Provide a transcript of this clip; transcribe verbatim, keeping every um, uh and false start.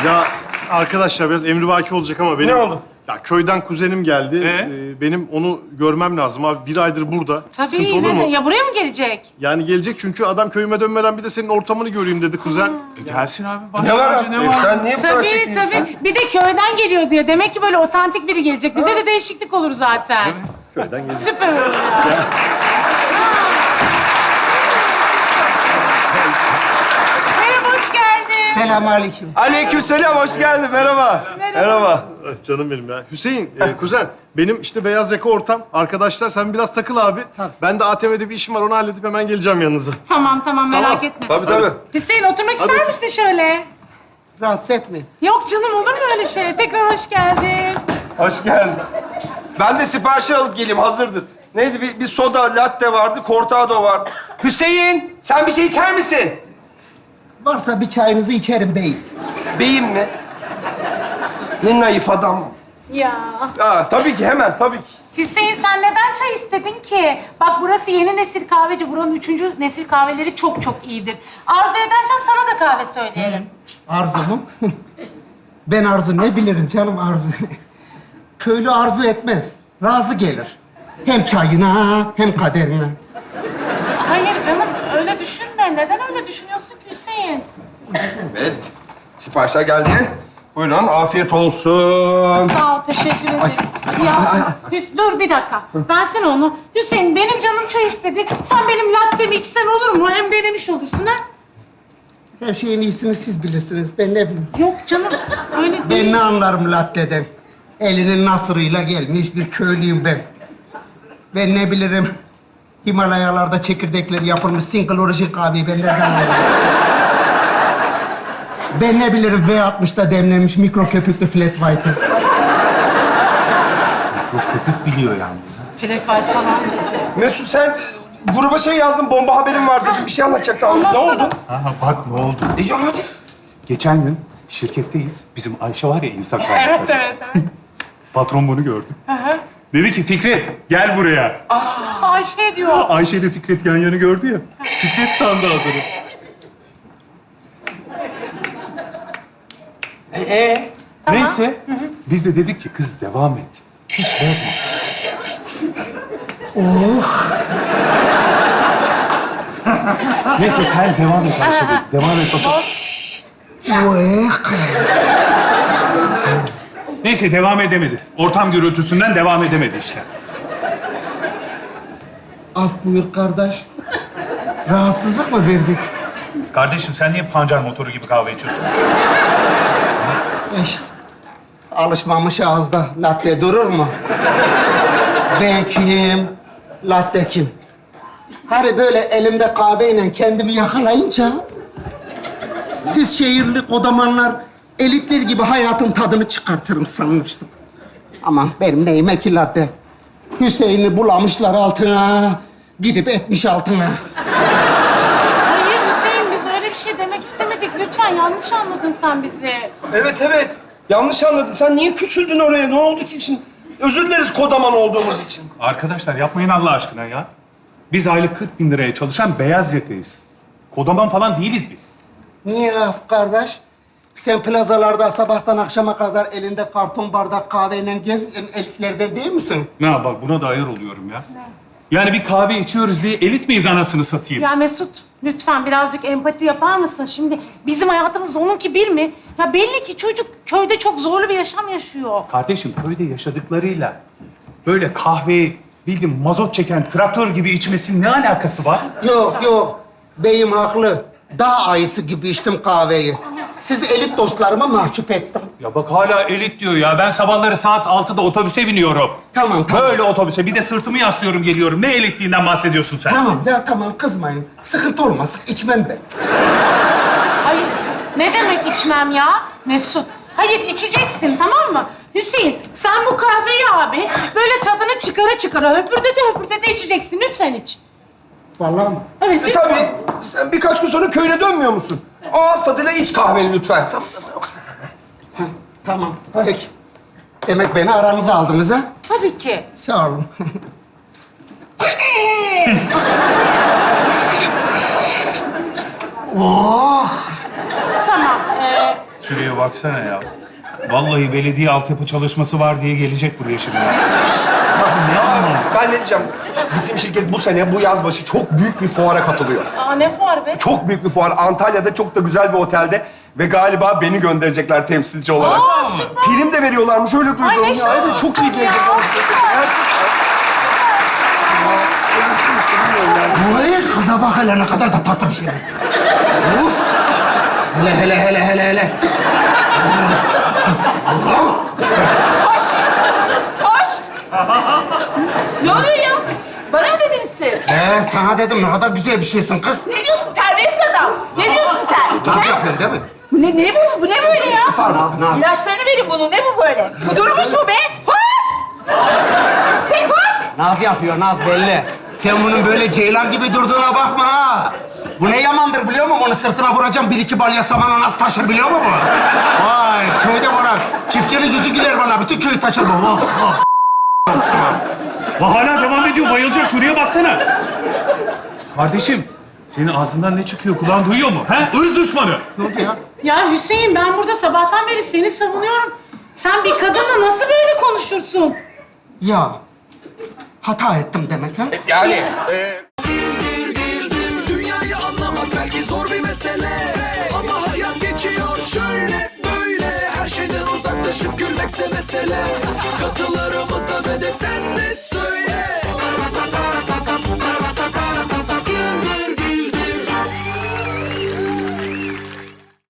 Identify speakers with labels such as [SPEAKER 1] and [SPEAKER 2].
[SPEAKER 1] Ya arkadaşlar biraz emrivaki olacak ama benim...
[SPEAKER 2] Ne oldu?
[SPEAKER 1] Ya köyden kuzenim geldi.
[SPEAKER 3] Ee?
[SPEAKER 1] Ee, benim onu görmem lazım abi. Bir aydır burada. Sıkıntı
[SPEAKER 4] Tabii
[SPEAKER 1] olur
[SPEAKER 4] yine
[SPEAKER 1] mu?
[SPEAKER 4] de. Ya buraya mı gelecek?
[SPEAKER 1] Yani gelecek çünkü adam köyüme dönmeden bir de senin ortamını göreyim dedi kuzen.
[SPEAKER 3] E, gelsin abi. Baş
[SPEAKER 2] Ne var
[SPEAKER 3] tacı,
[SPEAKER 2] abi?
[SPEAKER 3] ne var?
[SPEAKER 2] Sen niye bu kadar
[SPEAKER 4] Tabii
[SPEAKER 2] çekiniyorsun?
[SPEAKER 4] tabii. Bir de köyden geliyor diyor. Demek ki böyle otantik biri gelecek. Bize de değişiklik olur zaten.
[SPEAKER 1] Köyden gelecek.
[SPEAKER 4] Süper olur ya. Merhaba, hoş geldin.
[SPEAKER 5] Selamünaleyküm.
[SPEAKER 2] Aleykümselam, hoş geldin. Merhaba. Merhaba.
[SPEAKER 1] Ah, canım benim ya. Hüseyin, e, kuzen. Benim işte beyaz yaka ortam. Arkadaşlar sen biraz takıl abi. Ben de A T M'de bir işim var. Onu halledip hemen geleceğim yanınıza.
[SPEAKER 4] Tamam tamam merak
[SPEAKER 1] Tamam.
[SPEAKER 4] etme.
[SPEAKER 2] Tabii tabii.
[SPEAKER 4] Hüseyin oturmak
[SPEAKER 1] Hadi
[SPEAKER 4] ister
[SPEAKER 1] otur.
[SPEAKER 4] misin şöyle?
[SPEAKER 5] Rahatsız etme.
[SPEAKER 4] Yok canım olur mu öyle şey? Tekrar hoş geldin.
[SPEAKER 2] Hoş geldin. Ben de siparişi alıp geleyim, hazırdır. Neydi? Bir, bir soda, latte vardı, cortado vardı. Hüseyin, sen bir şey içer misin?
[SPEAKER 5] Varsa bir çayınızı içerim beyim.
[SPEAKER 2] Beyim mi? Ne naif adam.
[SPEAKER 4] Ya.
[SPEAKER 2] Aa, tabii ki, hemen, tabii ki.
[SPEAKER 4] Hüseyin sen neden çay istedin ki? Bak burası yeni nesil kahveci. Buranın üçüncü nesil kahveleri çok çok iyidir. Arzu edersen sana da kahve söyleyelim.
[SPEAKER 5] Arzu mu? Ben arzu ne bilirim canım arzu. Köylü arzu etmez. Razı gelir. Hem çayına hem kaderine.
[SPEAKER 4] Hayır canım öyle düşünme. Neden öyle düşünüyorsun ki Hüseyin?
[SPEAKER 2] Evet, siparişler geldi. Buyurun, afiyet olsun.
[SPEAKER 4] Sağ ol, teşekkür ederiz. Ya Hüs dur bir dakika. Versene onu. Hüseyin benim canım çay istedi. Sen benim lattemi içsen olur mu? Hem denemiş olursun ha.
[SPEAKER 5] Her şeyin iyisini siz bilirsiniz. Ben ne bileyim.
[SPEAKER 4] Yok canım öyle değil.
[SPEAKER 5] Ben ne anlarım latteden? Elinin nasırıyla gelmiş bir köylüyüm ben. Ben ne bilirim? Himalayalarda çekirdekleri yapılmış single origin kahveyi ben nereden anlarım? Ben ne bilirim V altmışta demlenmiş mikro köpüklü flat white'ı?
[SPEAKER 3] Köpük biliyor yalnız.
[SPEAKER 4] Flat white falan dedi.
[SPEAKER 2] Mesut, sen gruba şey yazdın, bomba haberim var dedin. Bir şey anlatacaktın. Ne
[SPEAKER 4] Anlatsana.
[SPEAKER 2] oldu?
[SPEAKER 3] Aha bak ne oldu.
[SPEAKER 2] E, ya hadi.
[SPEAKER 3] Geçen gün şirketteyiz. Bizim Ayşe var ya insan kaynakları.
[SPEAKER 4] Evet evet evet.
[SPEAKER 3] Patron bunu gördü. Dedi ki Fikret gel buraya.
[SPEAKER 4] Ayşe diyor.
[SPEAKER 3] Ayşe ile Fikret yan yana gördü ya. Fikret sandı adını.
[SPEAKER 2] Ee?
[SPEAKER 3] Neyse. Biz de dedik ki kız devam et. Hiç bozma. Oh. Neyse sen devam et Ayşe Bey. Devam et bakalım.
[SPEAKER 5] Uek.
[SPEAKER 3] Neyse devam edemedi. Ortam gürültüsünden devam edemedi işte.
[SPEAKER 5] Af buyur kardeş. Rahatsızlık mı verdik?
[SPEAKER 3] Kardeşim sen niye pancar motoru gibi kahve içiyorsun?
[SPEAKER 5] İşte. Alışmamış ağızda. Latte durur mu? Ben kim? Latte kim? Hani böyle elimde kahveyle kendimi yakalayınca... siz şehirli kodamanlar elitler gibi hayatın tadını çıkartırım sanmıştım. Aman benim neyime ki latte? Hüseyin'i bulamışlar altına, gidip etmiş altına.
[SPEAKER 4] Hayır Hüseyin biz öyle bir şey demek istemedik. Lütfen yanlış anladın sen bizi.
[SPEAKER 2] Evet, evet. Yanlış anladın. Sen niye küçüldün oraya? Ne oldu ki şimdi? Özür dileriz kodaman olduğumuz için.
[SPEAKER 3] Arkadaşlar yapmayın Allah aşkına ya. Biz aylık kırk bin liraya çalışan beyaz yakayız. Kodaman falan değiliz biz.
[SPEAKER 5] Niye af kardeş? Sen plazalarda sabahtan akşama kadar elinde karton bardak kahveyle gez elitlerden değil misin?
[SPEAKER 3] Ne bak buna da ayar oluyorum ya. Yani bir kahve içiyoruz diye elit miyiz anasını satayım?
[SPEAKER 4] Ya Mesut lütfen birazcık empati yapar mısın? Şimdi bizim hayatımız onunki bir mi? Ya belli ki çocuk köyde çok zorlu bir yaşam yaşıyor.
[SPEAKER 3] Kardeşim köyde yaşadıklarıyla böyle kahveyi bildiğin mazot çeken traktör gibi içmesinin ne alakası var?
[SPEAKER 5] Yok yok. Beyim haklı. Dağ ayısı gibi içtim kahveyi. Siz elit dostlarıma mahcup ettim.
[SPEAKER 3] Ya bak hala elit diyor ya. Ben sabahları saat altıda otobüse biniyorum.
[SPEAKER 5] Tamam tamam.
[SPEAKER 3] Böyle otobüse. Bir de sırtımı yaslıyorum geliyorum. Ne elitliğinden bahsediyorsun sen?
[SPEAKER 5] Tamam ya tamam kızmayın. Sıkıntı olmasın içmem ben.
[SPEAKER 4] Hayır ne demek içmem ya Mesut? Hayır içeceksin tamam mı? Hüseyin sen bu kahveyi abi böyle tadını çıkara çıkara höpürdede höpürdede içeceksin. Lütfen iç.
[SPEAKER 5] Vallahi mi?
[SPEAKER 4] Evet
[SPEAKER 2] E
[SPEAKER 4] lütfen.
[SPEAKER 2] tabii. Sen birkaç gün sonra köyüne dönmüyor musun? Ağız tadıyla iç kahveni lütfen.
[SPEAKER 5] Ha, tamam peki. Demek beni aranıza aldınız ha?
[SPEAKER 4] Tabii ki.
[SPEAKER 5] Sağ olun. oh!
[SPEAKER 4] Tamam. Ee,
[SPEAKER 3] Şuraya baksana ya. Vallahi belediye altyapı çalışması var diye gelecek buraya şimdi.
[SPEAKER 2] Ya ben ne diyeceğim? Bizim şirket bu sene, bu yaz başı çok büyük bir fuara katılıyor.
[SPEAKER 4] Aa ne fuar be?
[SPEAKER 2] Çok büyük bir fuar. Antalya'da çok da güzel bir otelde. Ve galiba beni gönderecekler temsilci olarak.
[SPEAKER 4] Aa, süper.
[SPEAKER 2] Prim de veriyorlarmış, öyle duydum.
[SPEAKER 4] Ay, ne
[SPEAKER 2] ya.
[SPEAKER 4] şanslısın
[SPEAKER 2] Evet, çok iyi
[SPEAKER 4] ya,
[SPEAKER 2] gelecek.
[SPEAKER 4] süper.
[SPEAKER 5] Vay kıza bak hele ne kadar da tatlı bir şey. Uf! Hele hele hele hele hele.
[SPEAKER 6] Hoş! Hoş! Ne oluyor ya? Bana mı dediniz siz?
[SPEAKER 5] Ee, sana dedim ne kadar güzel bir şeysin kız.
[SPEAKER 6] Ne diyorsun terbiyesiz adam? Ne diyorsun sen?
[SPEAKER 5] Naz
[SPEAKER 6] He?
[SPEAKER 5] yapıyorsun değil mi?
[SPEAKER 6] Bu ne, ne bu? Bu ne böyle ya?
[SPEAKER 5] Naz, naz.
[SPEAKER 6] İlaçlarını verin bunu. Ne bu böyle? Kudurmuş mu be? Hoş! Pek hoş!
[SPEAKER 5] Naz yapıyor, Naz belli. Sen bunun böyle ceylan gibi durduğuna bakma ha. Bu ne yamandır biliyor musun? Onu sırtına vuracağım, bir iki balya samanı nasıl taşır biliyor musun bu? Vay, köyde vurar. Çiftçinin yüzü güler bana, bütün köy taşır bu. Oh, oh.
[SPEAKER 3] Bak hala devam ediyor, bayılacak. Şuraya baksana. Kardeşim, senin ağzından ne çıkıyor? Kulağın duyuyor mu? He? Irz düşmanı.
[SPEAKER 5] Ne oldu ya?
[SPEAKER 4] Ya Hüseyin ben burada sabahtan beri seni savunuyorum. Sen bir kadınla nasıl böyle konuşursun?
[SPEAKER 5] Ya, hata ettim demek ha?
[SPEAKER 2] Yani... E,
[SPEAKER 7] Dünyayı anlamak belki zor bir mesele, ama hayat geçiyor şöyle böyle. Her şeyden uzaklaşıp gülmekse mesele.